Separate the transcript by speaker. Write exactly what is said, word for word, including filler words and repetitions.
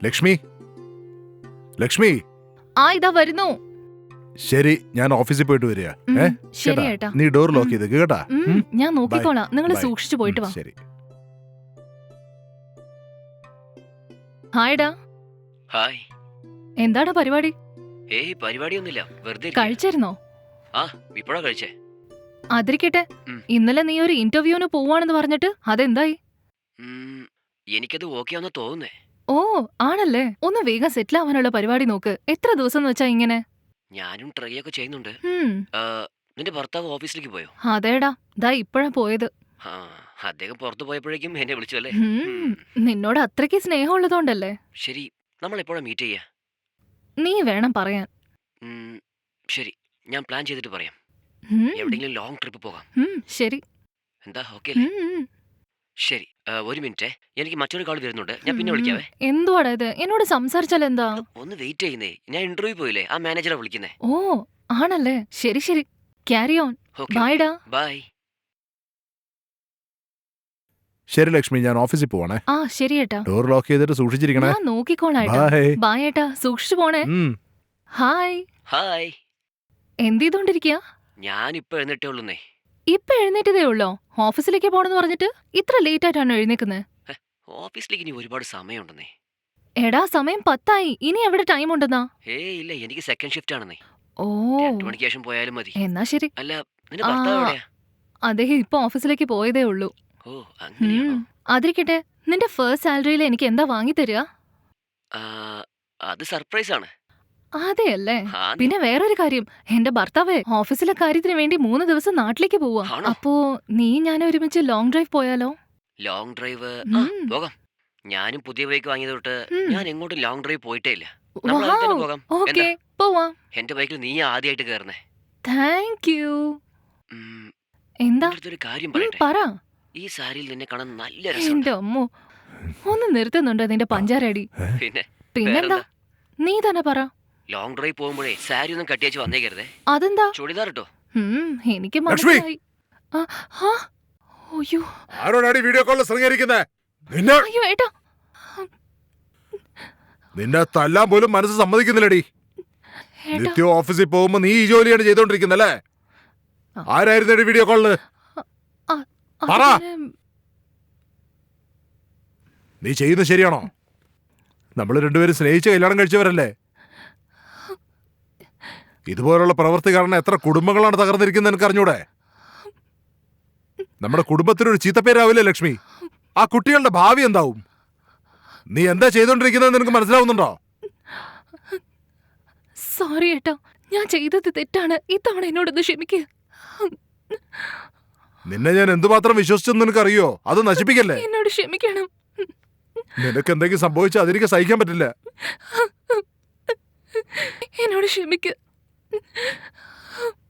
Speaker 1: ലക്ഷ്മി ലക്ഷ്മി
Speaker 2: ആ ഇതാ വരുന്നു.
Speaker 1: ശരി, ഞാൻ ഓഫീസിൽ പോയിട്ട് വരിക.
Speaker 2: ഉം,
Speaker 1: ഏ
Speaker 2: ശരി
Speaker 1: കേട്ടാ?
Speaker 2: ഏട്ടാ.
Speaker 1: നീ ഡോർ ലോക്ക് ചെയ്ത് കേട്ടാ.
Speaker 2: ഉം,
Speaker 1: ഉം,
Speaker 2: ഞാൻ നോക്കിക്കോളാം. നിങ്ങൾ
Speaker 1: ബൈ.
Speaker 2: സൂക്ഷിച്ചു പോയിട്ട് വാ.
Speaker 1: ഉം, ശരി.
Speaker 2: ഹായ്ഡാ.
Speaker 3: ഹായ്.
Speaker 2: എന്താടാ പരിപാടി?
Speaker 3: ഏയ് പരിപാടിയൊന്നുമില്ല, വെറുതെ ഇരിക്കാ.
Speaker 2: കഴിച്ചിരുന്നോ?
Speaker 3: ആ ഇപ്പഴാ കഴിച്ചേ.
Speaker 2: അതിരിക്കട്ടെ,
Speaker 3: ഉം.
Speaker 2: ഇന്നലെ നീ ഒരു ഇന്റർവ്യൂവിന് പോവാണെന്ന് പറഞ്ഞിട്ട് അതെന്തായി?
Speaker 3: ഉം, എനിക്കത് ഓക്കെ ആണെന്ന് തോന്നുന്നേ.
Speaker 2: ഓ ആണല്ലേ. ഒന്ന് വേഗം സെറ്റിൽ ആവാനുള്ള പരിപാടി നോക്ക്. എത്ര ദിവസം എന്ന് വെച്ചാ ഇങ്ങനെ?
Speaker 3: ഞാനും ട്രൈ ഒക്കെ ചെയ്യുന്നുണ്ട്.
Speaker 2: ഉം,
Speaker 3: ആ, നിന്റെ ഭർത്താവ് ഓഫീസിലേക്ക് പോയോ?
Speaker 2: അതേടാ, ദാ ഇപ്പഴാ പോയത്.
Speaker 3: ആ അദ്ദേഹം പുറത്തു പോയപ്പോഴേക്കും എന്നെ വിളിച്ചു അല്ലേ?
Speaker 2: ഉം,
Speaker 3: ഉം,
Speaker 2: നിന്നോട് അത്രയ്ക്ക് സ്നേഹമുള്ളതുകൊണ്ടല്ലേ.
Speaker 3: ശരി, നമ്മൾ എപ്പോഴാ മീറ്റ് ചെയ്യാ?
Speaker 2: നീ വേണം പറയാൻ.
Speaker 3: ഉം, ശരി, ഞാൻ പ്ലാൻ ചെയ്തിട്ട് പറയാം.
Speaker 2: ഉം,
Speaker 3: എവിടെയെങ്കിലും ലോങ് ട്രിപ്പ് പോകാം.
Speaker 2: ഉം, ശരി.
Speaker 3: എന്താ ഓക്കെ അല്ലേ?
Speaker 2: ഉം, ഉം.
Speaker 3: ശരി, ആ, ഒരു മിനിറ്റ്, എനിക്ക് മറ്റൊരു കാൾ വരുന്നുണ്ട്. ഞാൻ പിന്നെ വിളിക്കാവേ.
Speaker 2: എന്തുവാടാ ഇത്? എന്നോട് സംസാരിച്ചാൽ എന്താ?
Speaker 3: ഒന്ന് വെയിറ്റ് ചെയ്യുന്നേ, ഞാൻ ഇന്റർവ്യൂ പോയില്ലേ, ആ മാനേജറെ വിളിക്കുന്നേ.
Speaker 2: ഓ ആണല്ലേ. ശരി ശരി, ക്യാരി ഓൺ.
Speaker 3: ഓക്കെ,
Speaker 2: ബൈഡാ.
Speaker 3: ബൈ.
Speaker 1: ശരി ലക്ഷ്മി, ഞാൻ ഓഫീസിൽ പോവാണേ.
Speaker 2: ആ ശരി ഏട്ടാ.
Speaker 1: ഡോർ ലോക്ക് ചെയ്തിട്ട് സൂക്ഷിച്ചിരിക്കണേ.
Speaker 2: ഞാൻ നോക്കിക്കോളാം ഏട്ടാ.
Speaker 1: ബൈ.
Speaker 2: ബൈ ഏട്ടാ, സൂക്ഷിച്ചു പോണേ.
Speaker 1: ഉം.
Speaker 2: ഹായ്.
Speaker 3: ഹായ്.
Speaker 2: എന്ത് ചെയ്തോണ്ടിരിക്കുക?
Speaker 3: ഞാൻ ഇപ്പൊ എഴുന്നിട്ടേ ഉള്ളൂന്നേ.
Speaker 2: ഇപ്പൊ എഴുന്നേറ്റതേ ഉള്ളോ? ഓഫീസിലേക്ക് പോണെന്ന് പറഞ്ഞിട്ട് ഇത്ര ലേറ്റ് ആയിട്ടാണ് എഴുന്നേക്കുന്നത്?
Speaker 3: ഓഫീസിലേക്ക് ഇനി ഒരുപാട് സമയമുണ്ടെന്നേ.
Speaker 2: എടാ സമയം പത്തായി, ഇനി എവിടെ ടൈം ഉണ്ടെന്നാ?
Speaker 3: ഏയ് ഇല്ല, എനിക്ക് സെക്കൻഡ് ഷിഫ്റ്റ് ആണെന്നേ.
Speaker 2: ഓ
Speaker 3: രണ്ടു മണിക്ക് ശേഷം പോയാലും മതി.
Speaker 2: എന്നാ ശരി.
Speaker 3: അല്ല, നിന്റെ ഭർത്താവ്
Speaker 2: ആ.
Speaker 3: എവിടെയാ?
Speaker 2: അദ്ദേഹം ഇപ്പൊ ഓഫീസിലേക്ക് പോയതേ ഉള്ളൂ.
Speaker 3: ഓ അങ്ങനെയാണോ?
Speaker 2: ഉം, അതിരിക്കട്ടെ, നിന്റെ ഫസ്റ്റ് സാലറിയിൽ എനിക്ക് എന്താ വാങ്ങിത്തരിക?
Speaker 3: ആ, അത് സർപ്രൈസ് ആണ്.
Speaker 2: അതെയല്ലേ.
Speaker 3: ആ,
Speaker 2: പിന്നെ വേറൊരു കാര്യം, എന്റെ ഭർത്താവ് ഓഫീസിലെ കാര്യത്തിന് വേണ്ടി മൂന്ന് ദിവസം നാട്ടിലേക്ക് പോവാ.
Speaker 3: ആണോ?
Speaker 2: അപ്പോ നീ ഞാൻ ഒരുമിച്ച് ലോങ് ഡ്രൈവ് പോയാലോ?
Speaker 3: ലോങ് ഡ്രൈവ് ആ
Speaker 2: ഉം.
Speaker 3: പോകാം. ഞാനും പുതിയ ബൈക്ക് വാങ്ങിയത് തൊട്ട്
Speaker 2: ഉം.
Speaker 3: ഞാൻ എങ്ങോട്ടും ലോങ് ഡ്രൈവ് പോയിട്ടേ ഇല്ല. നമ്മൾ അതിൽ തന്നെ പോകാം.
Speaker 2: ഓക്കെ പോവാം.
Speaker 3: എന്റെ ബൈക്കിൽ നീ ആദ്യമായിട്ട് കയറുന്നേ.
Speaker 2: Thank you.
Speaker 3: ഉം,
Speaker 2: എന്താ?
Speaker 3: നിന്റെ അടുത്തൊരു കാര്യം
Speaker 2: ഉം,
Speaker 3: പറയട്ടെ.
Speaker 2: പറ.
Speaker 3: ഈ സാരിയിൽ നിന്നെ കാണാൻ നല്ല രസമുണ്ട്.
Speaker 2: എന്റെ അമ്മോ, ഒന്ന് നിർത്തുന്നുണ്ടോ നിന്റെ പഞ്ചാരടി?
Speaker 3: പിന്നെ
Speaker 2: പിന്നെന്താ?
Speaker 3: വേറെന്താ?
Speaker 2: നീ തന്നെ പറ.
Speaker 3: ലോങ് ഡ്രൈവ് പോകുമ്പോഴേ സാരി ഒന്നും കട്ടിയച്ച് വന്നേക്കരുതേ.
Speaker 2: അതെന്താ?
Speaker 3: ചുടിദാർ ഇട്ടോ.
Speaker 2: ഉം, എനിക്ക്
Speaker 1: ലക്ഷ്മി!
Speaker 2: മനസ്സിലായി. ആ, ആ, അയ്യോ
Speaker 1: ആരോടാടി വീഡിയോ കോളിൽ ശൃംഗരിക്കുന്നേ? നിന്നെ
Speaker 2: അയ്യോ ഏട്ടാ.
Speaker 1: നിന്നെ തല്ലാൻ പോലും മനസ്സ് സമ്മതിക്കുന്നില്ലടി.
Speaker 2: ഏട്ടാ
Speaker 1: നിത്യം ഓഫീസിൽ പോകുമ്പോ നീ ഈ ജോലിയാണ് ചെയ്തോണ്ടിരിക്കുന്നല്ലേ?
Speaker 2: ആ.
Speaker 1: ആരായിരുന്നു വീഡിയോ കോളില്? പറ.
Speaker 2: അതിന്
Speaker 1: നീ ചെയ്യുന്നത് ശരിയാണോ? നമ്മൾ രണ്ടുപേരും സ്നേഹിച്ച് കല്യാണം കഴിച്ചവരല്ലേ? ഇതുപോലുള്ള പ്രവൃത്തി കാരണം എത്ര കുടുംബങ്ങളാണ് തകർന്നിരിക്കുന്നത് എനിക്ക് അറിഞ്ഞൂടെ? നമ്മുടെ കുടുംബത്തിനൊരു ചീത്തപ്പേരാവില്ലേ ലക്ഷ്മി? ആ കുട്ടികളുടെ ഭാവി എന്താവും? നീ എന്താ ചെയ്തോണ്ടിരിക്കുന്നത് നിനക്ക് മനസ്സിലാവുന്നുണ്ടോ?
Speaker 2: സോറി ഏട്ടാ, ഞാൻ ചെയ്തത് തെറ്റാണ്. ഇത്തവണ എന്നോടൊന്ന് ക്ഷമിക്കുക.
Speaker 1: നിന്നെ ഞാൻ എന്തുമാത്രം വിശ്വസിച്ചെന്ന് നിനക്കറിയോ? അത് നശിപ്പിക്കല്ലേ?
Speaker 2: എന്നോട് ക്ഷമിക്കണം.
Speaker 1: നിനക്ക് എന്തെങ്കിലും സംഭവിച്ചാൽ അതെനിക്ക് സഹിക്കാൻ പറ്റില്ല.
Speaker 2: എന്നോട് ക്ഷമിക്കുക.